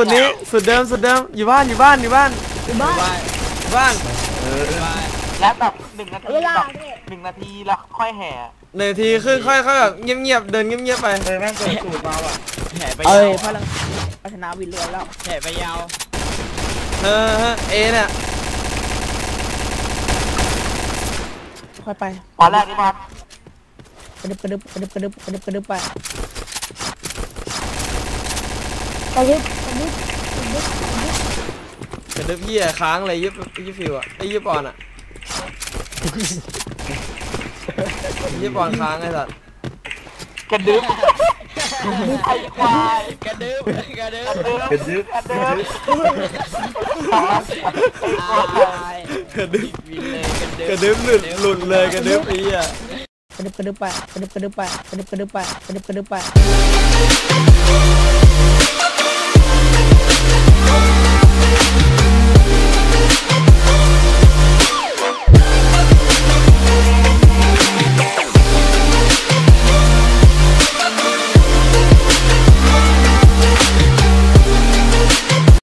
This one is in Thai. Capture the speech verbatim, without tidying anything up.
สุดนี้สุดเดิมสุดเดิมอยู่บ้านอยู่บ้านอยู่บ้านอยู่บ้านบ้านแล้วแบบหนึ่งนาทีแบบหนึ่งนาทีแล้วค่อยแห่หนึ่งทีครึ่งค่อยค่อยแบบเงียบๆเดินเงียบๆไปเลยแม่งเกิดสูตรมาว่ะแห่ไปยาวเอ้ยพลังพัฒนาวินรวยแล้วแห่ไปยาวเออเอเนี่ยค่อยไปตอนแรกนี่มันกระดึบกระดึบกระดึบกระดึบกระดึบกระดึบไปกระดึบกระดึบกระดึบกระดึบเหี้ยค้างเลยยิบยิบฟิวอ่ะไอ้ยิบปอนอ่ะยิบปอนค้างไอ้สัตว์กระดึบไอ้ควายกระดึบกระดึบกระดึบกระดึบกระดึบกระดึบหลุดหลุดเลยกระดึบไอ้เหี้ยกระดึบกระดึบไปกระดึบกระดึบไปกระดึบกระดึบไปกระดึบกระดึบไป